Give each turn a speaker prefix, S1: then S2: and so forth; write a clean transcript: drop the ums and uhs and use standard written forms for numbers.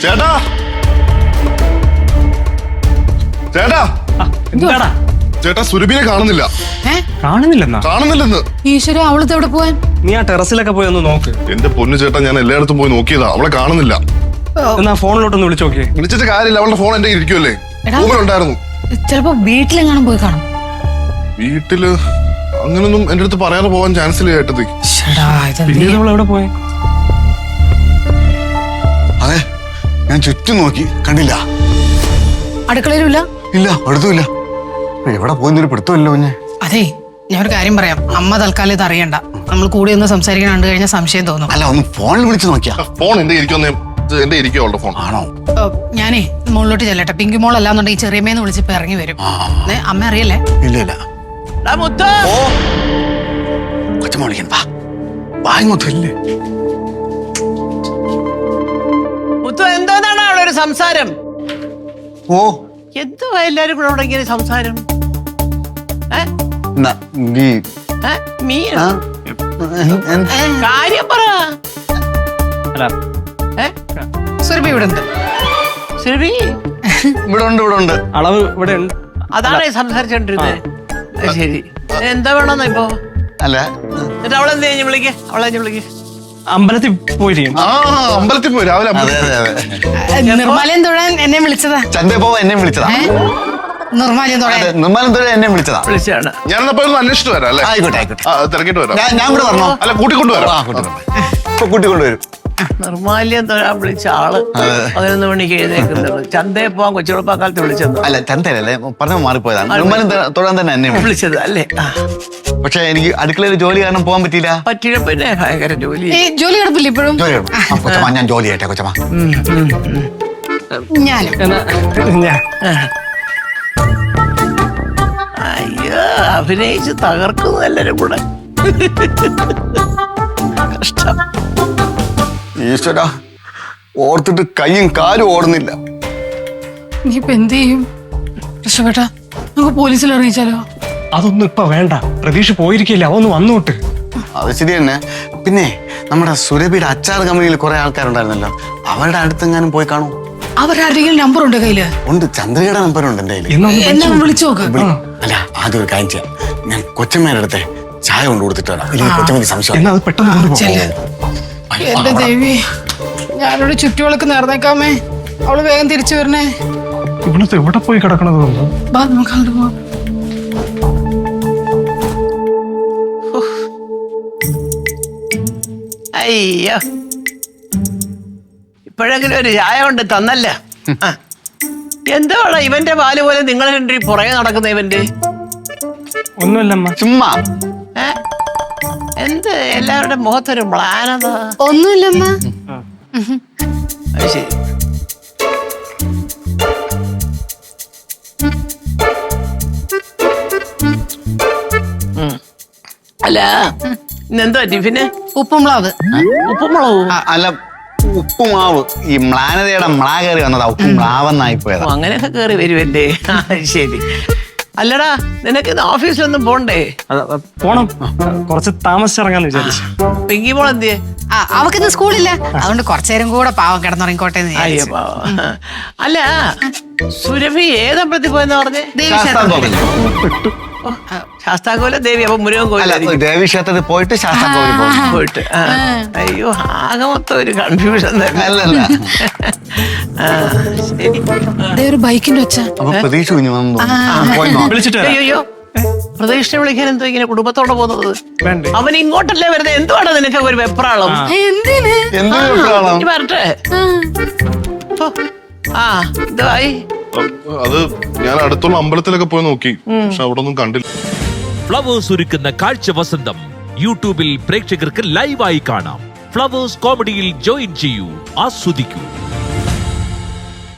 S1: ചേട്ടാ ചേട്ടാ
S2: എന്താടാ
S1: ചേട്ടാ സുരഭിനെ കാണുന്നില്ല.
S2: കാണുന്നില്ലെന്ന്.
S3: ഈശ്വര, അവളത്തെ എവിടെ പോവാൻ?
S2: നീ ആ ടെറസിലൊക്കെ പോയി ഒന്ന് നോക്ക്.
S1: എന്റെ പൊന്നു ചേട്ടാ, ഞാൻ എല്ലായിടത്തും പോയി നോക്കിയതാ, അവളെ കാണുന്നില്ല.
S2: എന്നാ ഫോണിലോട്ടൊന്ന് വിളിച്ചു നോക്കിയേ.
S1: വിളിച്ചിട്ട് കാര്യമില്ല, അവളുടെ ഫോൺ എന്റെ ഇരിക്കുമല്ലേ, റൂമിലുണ്ടായിരുന്നു.
S3: ചിലപ്പോ വീട്ടിലെങ്ങാനും പോയി കാണും.
S1: വീട്ടില് അങ്ങനൊന്നും എന്റെ അടുത്ത് പറയാതെ പോവാൻ ചാൻസ് ഇല്ല ചേട്ടത്തി.
S2: പിന്നീട് അവൾ എവിടെ പോയി?
S4: അതെ, ഞാൻ ചുറ്റും നോക്കി, കണ്ടില്ല.
S3: അടുക്കളയിലുമില്ല?
S4: ഇല്ല, അടുത്തുമില്ല. എവിടെ പോയെന്നൊരു പിടുത്തമല്ലോ കുഞ്ഞെ.
S3: അതെ, ഞാൻ ഒരു കാര്യം പറയാം. അമ്മ തൽക്കാലം ഇത് അറിയണ്ട. നമ്മൾ കൂടി ഒന്ന് സംസാരിക്കാൻ കണ്ടു കഴിഞ്ഞാൽ സംശയം തോന്നും.
S4: അല്ല, ഒന്ന് ഫോണിൽ വിളിച്ചു നോക്കിയാ.
S1: ഫോൺ എന്റെ എന്റെ ഇരിക്കും അവളുടെ ഫോൺ.
S4: ആണോ?
S3: ഞാനേ മുകളിലോട്ട് ചെല്ലട്ടെ. പിങ്കി മോൾ അല്ലാന്നുണ്ടെങ്കിൽ ചെറിയമ്മേന്ന് വിളിച്ചിപ്പോ ഇറങ്ങി വരും. അമ്മ അറിയല്ലേ?
S4: ഇല്ല ഇല്ല. കൊച്ചമ്മ വിളിക്കണ്ട, വാ ഇങ്ങോട്ട്. ഇല്ലേ
S5: മുത്തു, എന്തോന്നാണ് അവിടെ ഒരു സംസാരം?
S4: ഓ,
S5: എന്തുവാ എല്ലാരും കൂടെ അവിടെ ഇങ്ങനെ സംസാരം? കാര്യം പറ.
S3: സുരഭി ഇവിടെ ഉണ്ട്.
S5: സുരഭി
S4: ഇവിടെ ഉണ്ട്, ഇവിടെ ഉണ്ട്.
S2: അളവ് ഇവിടെ ഉണ്ട്.
S5: അതാണ് സംസാരിച്ചോണ്ടിരുന്നത്. ശരി, എന്താ വേണമെന്നാ ഇപ്പൊ?
S4: അല്ല,
S5: എന്നിട്ട് അവളെന്ത് കഴിഞ്ഞ് വിളിക്കേ? വിളിക്കേ.
S2: അമ്പലത്തിൽ പോയിരിക്കും.
S1: അമ്പലത്തിൽ പോയി രാവിലെ.
S3: നിർമ്മാലയം തൊഴാൻ എന്നെ വിളിച്ചതാ.
S4: ചന്തപ്പോ എന്നെ വിളിച്ചതാ.
S3: നിർമ്മാലയം തൊഴാൻ
S4: എന്നെ വിളിച്ചതാ.
S5: വിളിച്ചാണ്.
S1: ഞാനെന്നപ്പോ അന്വേഷിച്ചിട്ട് വരാം അല്ലേ?
S4: ആയിക്കോട്ടെ ആയിക്കോട്ടെ.
S1: തിരക്കിട്ട് വരാം.
S4: ഞാൻ ഇവിടെ വരണോ?
S1: അല്ല, കൂട്ടിക്കൊണ്ടുവരാം.
S4: കൂട്ടിക്കൊണ്ടുവരും.
S5: നിർമ്മാല്യം തൊഴാൻ വിളിച്ച ആള് 11 മണിക്ക് എഴുന്നേക്കുന്നത്. ചന്തയെ പോവാൻ കൊച്ചുകുളപ്പാക്കാലത്ത് വിളിച്ചത്.
S4: അല്ല, ചന്തയല്ലേ, പറഞ്ഞ മാറിപ്പോയതാണ്. നിർമ്മാലം തൊഴാൻ തന്നെ എന്നെ
S5: വിളിച്ചത് അല്ലേ?
S4: പക്ഷെ എനിക്ക് അടുക്കളയിൽ ജോലി കാരണം പോകാൻ പറ്റിയില്ല.
S5: പറ്റില്ല, പിന്നെ ഭയങ്കര ജോലി.
S3: ജോലി കിടപ്പില്ല ഇപ്പോഴും?
S4: കൊച്ചമ്മ, ഞാൻ ജോലി ചെയ്യട്ടെ കൊച്ചമ്മ.
S3: ഞാനും.
S5: അയ്യോ, അഭിനയിച്ച് തകർക്കുന്നു എല്ലാരും കൂടെ. കഷ്ടം.
S4: ഈശ്വരാ, ഓർത്തിട്ട് കൈയും കാലും ഓടുന്നില്ല.
S3: നീ ഇപ്പൊ എന്ത് ചെയ്യും? രക്ഷപ്പെട്ടാ നമുക്ക് പോലീസിൽ അറിയിച്ചാലോ?
S2: അതൊന്നും ഇപ്പൊ വേണ്ട. പ്രതീക്ഷ പോയിരിക്കില്ല, അവന്ന് വന്നോട്ട്.
S4: അത് ശരി തന്നെ. പിന്നെ നമ്മുടെ സുരഭിയുടെ അച്ചാർ കമ്പനിയിൽ കുറെ ആൾക്കാരുണ്ടായിരുന്നല്ലോ, അവരുടെ അടുത്തെങ്ങാനും പോയി കാണൂ.
S3: അവരാരുടെയും നമ്പർ ഉണ്ട് കയ്യില്?
S4: ഉണ്ട്, ചന്ദ്രയുടെ നമ്പർ ഉണ്ട് എന്റെ കയ്യിൽ.
S3: എന്നാ വിളിച്ചു നോക്ക്.
S4: അല്ല, ആദ്യം ഒരു കാര്യം ചെയ്യാം. ഞാൻ കൊച്ചമ്മയുടെ അടുത്ത് ചായ കൊണ്ട് കൊടുത്തിട്ട് വരാം. ഇല്ലെങ്കിൽ കൊച്ചമ്മക്ക് സംശയം.
S3: എന്റെ ദേവി, ഞാനോട് ചുറ്റുവിളക്ക് നേർന്നേക്കാമേ. അവള് വേഗം തിരിച്ചു വരണേ.
S2: ഇവിടുത്തെ എവിടെ പോയി കിടക്കണത്?
S3: നമുക്ക് അങ്ങോട്ട് പോവാം.
S5: അയ്യോ, ഇപ്പോഴെങ്കിലും ഒരു ചായ കൊണ്ട് തന്നല്ല. എന്താണ് ഇവന്റെ പാല് പോലെ നിങ്ങൾ രണ്ടു പുറകെ നടക്കുന്ന ഇവന്റെ?
S2: ഒന്നുമില്ലമ്മ,
S4: ചുമ്മാ.
S5: എന്ത് എല്ലാവരുടെ മുഖത്തൊരു മ്ലാനത?
S3: ഒന്നുമില്ലമ്മ.
S5: അത് ശരി. അല്ല, ഇന്നെന്തോ ടിഫിന്?
S3: ഉപ്പുമുളക്.
S5: ഉപ്പുമുളകും?
S4: അല്ല, ഉപ്പുമാവ്. ഈ മ്ലാനതയുടെ മ്ലാ കയറി വന്നതാ, ഉപ്പുമാവെന്നായി പോയതാ.
S5: അങ്ങനെയൊക്കെ കയറി വരുമല്ലേ? ശരി. അല്ലടാ, നിനക്ക് ഇന്ന് ഓഫീസിലൊന്നും പോണ്ടേ?
S2: പോണം, കുറച്ച് താമസിച്ചിറങ്ങാന്ന് വിചാരിച്ചു.
S5: പിങ്കി മോൾ എന്തിയെ?
S3: അവക്കിന്ന് സ്കൂളില്ല, അതുകൊണ്ട് കുറച്ചേരം കൂടെ പാവം കിടന്നുറങ്ങിക്കോട്ടെ.
S5: അയ്യോ പാവം. അല്ല, സുരഭി ഏതമ്പലത്തിൽ പോയെന്ന് പറഞ്ഞേ? ശാസ്താകോല ദേവി. അപ്പൊ മുരുകൻ കോയിലായിരിക്കും.
S4: ദേവി ക്ഷേത്രത്തിൽ പോയിട്ട് ശാസ്താകോവിൽ
S5: പോയിട്ട്. അയ്യോ, ആകെ മൊത്തം ഒരു കൺഫ്യൂഷൻ തന്നെ.
S4: അല്ലല്ല,
S5: ശരി.
S3: ഒരു ബൈക്കിന്റെ ഒച്ച.
S4: അപ്പൊ പ്രതീക്ഷ കുഞ്ഞു വന്നു.
S2: വിളിച്ചിട്ട്
S5: അയ്യോ, പ്രതീക്ഷ വിളിക്കാൻ എന്തോ ഇങ്ങനെ കുടുംബത്തോടെ പോകുന്നത്? അവൻ ഇങ്ങോട്ടല്ലേ വരുന്നത്? എന്തുവാണ് നിനക്ക് ഒരു വെപ്രാളം?
S3: എന്തിന്?
S5: ഇനി വരട്ടെ. ഇതായി.
S1: അത് ഞാൻ അടുത്തുള്ള അമ്പലത്തിലൊക്കെ പോയി നോക്കി, പക്ഷെ അവിടെ ഒന്നും കണ്ടില്ല.
S6: ഫ്ലവേഴ്സ് ഒരുക്കുന്ന കാഴ്ച വസന്തം യൂട്യൂബിൽ പ്രേക്ഷകർക്ക് ലൈവായി കാണാം. ഫ്ലവേഴ്സ് കോമഡിയിൽ ജോയിൻ ചെയ്യൂ, ആസ്വദിക്കൂ.